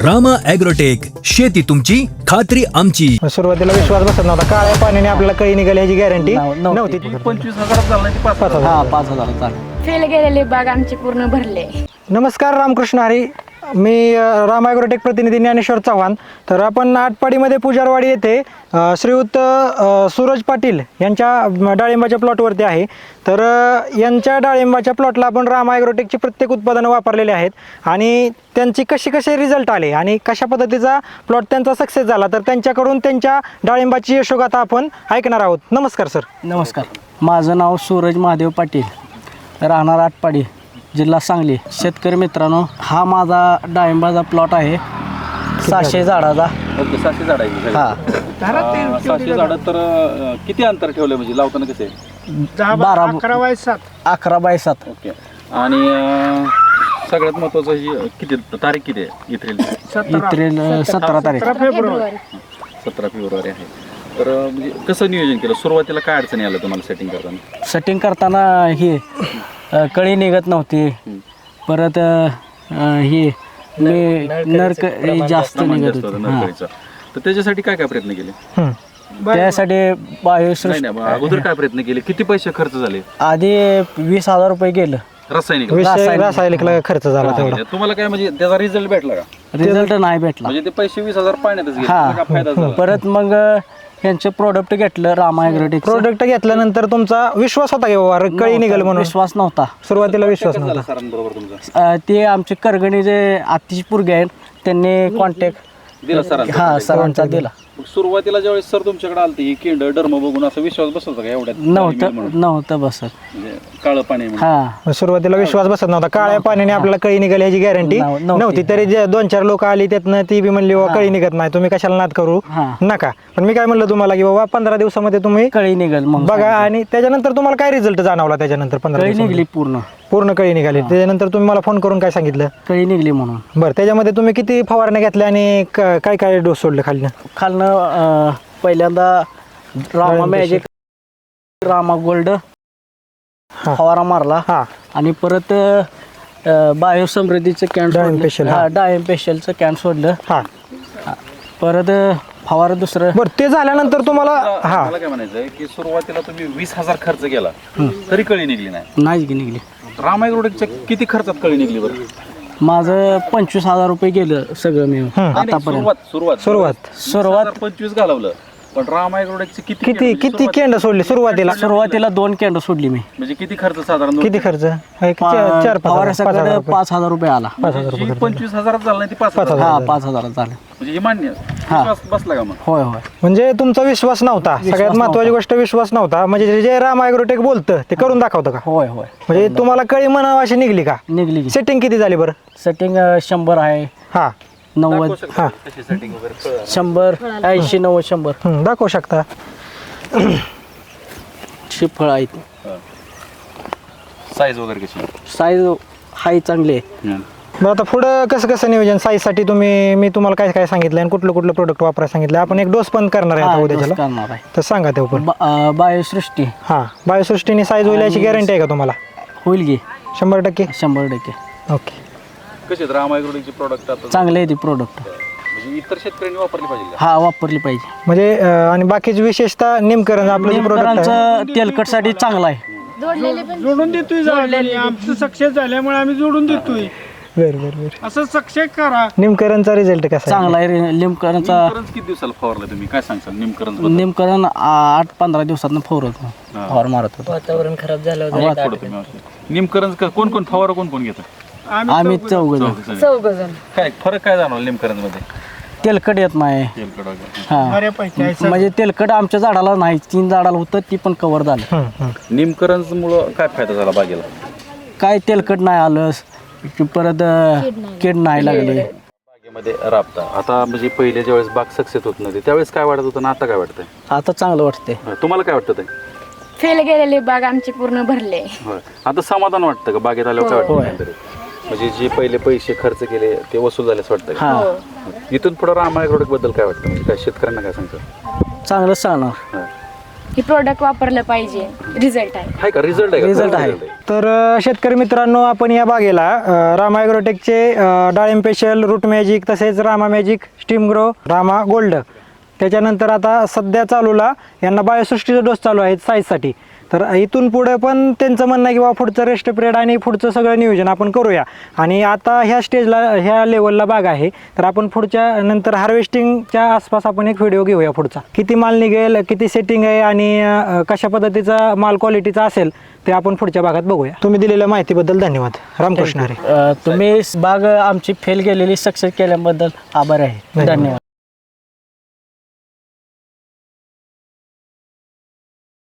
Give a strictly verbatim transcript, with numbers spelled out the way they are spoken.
Rama agrotech, शेती तुमची खात्री आमची. सुरुवातीला विश्वास बसत नव्हता. काळ्या पाण्याने आपल्याला कळी निघाली ह्याची गॅरंटी नव्ह- नव्हती. पंचवीस हजारात झाला नाही पाच हजार हा पाच हजार चालेल. फेल गेलेले बाग आमचे पूर्ण भरले. नमस्कार, रामकृष्ण हरी. मी अ, राम ॲग्रोटेक प्रतिनिधी ज्ञानेश्वर चव्हाण. तर आपण आटपाडीमध्ये पुजारवाडी येथे अ, श्रीयुत अ, सूरज पाटील यांच्या डाळिंबाच्या प्लॉटवरती आहे. तर अ, यांच्या डाळिंबाच्या प्लॉटला आपण राम ॲग्रोटेकची प्रत्येक उत्पादनं वापरलेली आहेत आणि त्यांची कशी कसे रिझल्ट आले आणि कशा पद्धतीचा प्लॉट त्यांचा सक्सेस झाला, तर त्यांच्याकडून त्यांच्या डाळिंबाची यशोगाथा आपण ऐकणार आहोत. नमस्कार सर. नमस्कार, माझं नाव सूरज महादेव पाटील, राहणार आटपाडी, जिल्हा सांगली. शेतकरी मित्रांनो, हा माझा डाळिंबाचा प्लॉट आहे, सहाशे झाडाचा. ओके, सहाशे झाड आहे हा अं, सहाशे झाड तर अं, किती अंतर ठेवलं म्हणजे लावताना कसे? बारा अकरा बाय सात अकरा बाय सात ओके. आणि अं, सगळ्यात महत्वाचं ही किती तारीख किती आहे इथेल? एप्रिल सतरा तारीख. फेब्रुवारी सतरा फेब्रुवारी आहे. तर अं, म्हणजे कसं नियोजन केलं? सुरुवातीला काय अडचणी आलं तुम्हाला सेटिंग करताना? सेटिंग करताना ही अ, कळी निघत नव्हती. परत अ, ही मी नरक जास्त प्रमाण निघत जास्त होतं होती. हा. नर्सरीचं. तर त्याच्यासाठी काय काय प्रयत्न केले? हं. त्यासाठी नाही बायोसृष्टी नाही मग अगोदर काय प्रयत्न केले? किती पैसे खर्च झाले? आधी वीस हजार रुपये गेलं. रासायनिक विषय रासायनिक. रासायनिकला खर्च झाला तेवढा. तुम्हाला काय म्हणजे त्याचा रिझल्ट भेटला का? रिझल्ट नाही भेटला. म्हणजे ते पैसे वीस हजार पाण्यातच गेले, हा. त्याचा काय फायदा झाला? परत मग ह्यांचं प्रोडक्ट घेतलं रामा ॲग्रोटेक. प्रोडक्ट घेतल्यानंतर तुमचा विश्वास होता की बाबा कळी निघेल म्हणून? विश्वास नव्हता. सुरुवातीला विश्वास कसं झालं नव्हता. सरांबरोबर तुमचा? अ, ते आमचे करगणी जे आतिश पुरगे आहेत त्यांनी कॉन्टॅक्ट दिला सरांचा? हा सरांचा दिला. मग सुरुवातीला ज्यावेळेस सर तुमच्याकडे आलते ही केंड डर्म बघून असं विश्वास बसत होता का एवढ्यात नव्हतं नव्हतं बसत. म्हणजे काळं पाणी म्हणून? हा सुरुवातीला विश्वास बसत नव्हता. काळ्या पाण्याने आपल्याला कळी निघाली ह्याची गॅरंटी नव्ह- नव्हती. नव्हती. तरी जे दोन चार लोक आली त्यातनं ती बी म्हणली बाबा कळी निघत नाही, तुम्ही कशाला नाद करू हा. नका. पण मी काय म्हणलं तुम्हाला की बाबा पंधरा दिवसामध्ये तुम्ही कळी निघल मग बघा. आणि त्याच्यानंतर तुम्हाला काय रिझल्ट जाणवला? त्याच्यानंतर पंधरा कळी दिवसामध्ये? निघली पूर्ण. पूर्ण कळी निघाली. त्याच्यानंतर तुम्ही मला फोन करून काय सांगितलं? कळी निघली म्हणून. बरं, त्याच्यामध्ये तुम्ही किती फवारण्या घेतल्या आणि क- काय काय डोस सोडले खाली? खालनं अ, पहिल्यांदा रामा मॅजिक, रामा गोल्ड हा. फवारा मारला हा आणि परत बायो समृद्धीचं कॅन डाळिंब special, हा. हा डाळिंब स्पेशलचं कॅन सोडलं. हा परत अ, फवारा दुसरं. बरं, ते झाल्यानंतर तुम्हाला हा मला काय म्हणायचं की सुरुवातीला तुम्ही वीस हजार खर्च केला तरी कळी निघली नाही. नाही की निघली. रामायग्रोटेकच्या किती खर्चात कळी निघली बरं? माझं पंचवीस हजार रुपये गेलं सगळं मिळून नाही, नाही, आतापर्यंत. सुरुवात सुरुवात सुरुवात सुरुवात पंचवीस घालवलं, पण रामायग्रोटेकचे किती किती केंड? किती सुरुवात- केंड सोडली सुरुवातीला? सुरुवातीला दोन कॅन्ड सोडली मी. म्हणजे किती खर्च साधारण? किती खर्च? एक पा- चार चार पाच हजार- पाच हजार फवाऱ्यासाठी रुपये. पाच हजार रुपये आला. पाच हजार जी रुपये. पंचवीस हजारात झालं नाही ती पाच पाच हजार. हजार. हा पाच हजार झाले. म्हणजे हे मान्य विश्वास बसला का मग? होय होय. म्हणजे तुमचा विश्वास नव्हता. सगळ्यात महत्वाची गोष्ट विश्वास नव्हता. म्हणजे जे राम ॲग्रोटेक बोलतं ते करून दाखवतं का? होय होय म्हणजे तुम्हाला कळी म्हणावं अशी निघली का? निघली. सेटिंग किती झाली बरं? सेटिंग शंभर आहे, हा नव्वद, हा कशी सेटिंग वगैरे कळलं? शंभर, ऐंशी, नव्वद, शंभर हं, दाखवू शकता. शी फळ आहेत. साईज वगैरे कशी? साईज हाय चांगली आहे. हं. बरं, आता पुढं कसं कसं नियोजन साईजसाठी तुम्ही मी तुम्हाला काय काय सांगितलं आणि कुठलं कुठलं प्रोडक्ट वापरायला सांगितलं? आपण एक डोस पण करणार आहे हा, आता डोस उद्याच्याला, करणार आहे. तर सांगा ते पण. बा- अं, बायोसृष्टी हां, बायोसृष्टीने साईज होईल याची गॅरंटी आहे का तुम्हाला? होईल की शंभर टक्के. शंभर टक्के ओके. कशी आहेत रामायग्रोटेकचे प्रोडक्ट आता? चांगले आहे ती प्रोडक्ट. म्हणजे इतर शेतकऱ्यांनी वापरली पाहिजे का? हा वापरली पाहिजे. म्हणजे अं, आणि बाकीची विशेषतः निमकरण आपलं जे प्रोडक्ट आहे नेमकरांचं तेलकटसाठी चांगलं आहे. जोडलेले पण जोडून देतोय झाडांनी. आमचं सक्सेस झाल्यामुळे आम्ही जोडून देतोय. बरं बरं बरं. असं सक्सेस करा. निमकरणचा रिझल्ट कसा आहे? चांगला आहे. नेमकरांचा निमकरंज किती दिवसाला फवारलं तुम्ही? काय सांगसाल निमकरंज बद्दल? नेमकरण आठ पंधरा दिवसात फवारत फवार मारत होतो. वातावरण खराब झालं थोडं तुम्ही औषध. निमकरंज क- कोण कोण फवारा कोण कोण घेतं? आम्ही चौघ जण. चौघजण. काय फरक काय जाणवला निमकरंज मध्ये? तेलकट येत नाही. तेलकट वगैरे. हा बऱ्यापैकी आहे. म्हणजे तेलकट आमच्या झाडाला नाही. तीन झाडाला होतं ती पण कव्हर झालं. हं, हं. निमकरंज मुळे काय फायदा झाला बागेला? काय तेलकट नाही आलं. परत अं, कीड नाही लागली. बागेमध्ये राबता आता म्हणजे पहिले ज्यावेळेस बाग सक्सेस होत नव्हती त्यावेळेस काय वाटत होतं ना आता काय वाटतंय? आता चांगलं वाटते. तुम्हाला काय वाटतं ते? फेल गेलेले बाग आमचे पूर्ण भरले. होय. आता समाधान वाटतं का बागेत आल्यावर? काय वाटतं काहीतरी? म्हणजे जे पहिले पैसे खर्च केले ते वसूल झाले असं वाटतं का? हा इथून पुढे रामायग्रोटेक बद्दल काय वाटतं? म्हणजे काय शेतकऱ्यांना काय सांगतं? चांगलं सांगणार. होय. हे प्रोडक्ट वापरलं पाहिजे. रिझल्ट आहे. आहे का रिझल्ट आहे का? Result आहे. तर अ, शेतकरी मित्रांनो, आपण या बागेला अ, रामा ॲग्रोटेकचे अ, डाळिंब स्पेशल, रूट मॅजिक, तसेच Rama magic, steam grow, Rama gold, त्याच्यानंतर आता सध्या चालूला यांना बायोसृष्टीचा डोस चालू आहे साईजसाठी. तर इथून पुढे पण त्यांचं म्हणणं आहे की बाबा पुढचं रेस्ट पिरियड आणि पुढचं सगळं नियोजन आपण करूया. आणि आता ह्या स्टेजला, ह्या लेवलला बाग आहे, तर आपण पुढच्या नंतर हार्वेस्टिंगच्या आसपास आपण एक व्हिडिओ घेऊया पुढचा. किती माल निघेल, किती सेटिंग आहे आणि अ, कशा पद्धतीचा माल क्वालिटीचा असेल ते आपण पुढच्या भागात बघूया. तुम्ही दिलेल्या माहितीबद्दल धन्यवाद. रामकृष्ण हरी. अ, तुम्ही बाग आमची फेल गेलेली सक्सेस केल्याबद्दल आभार आहे. धन्यवाद.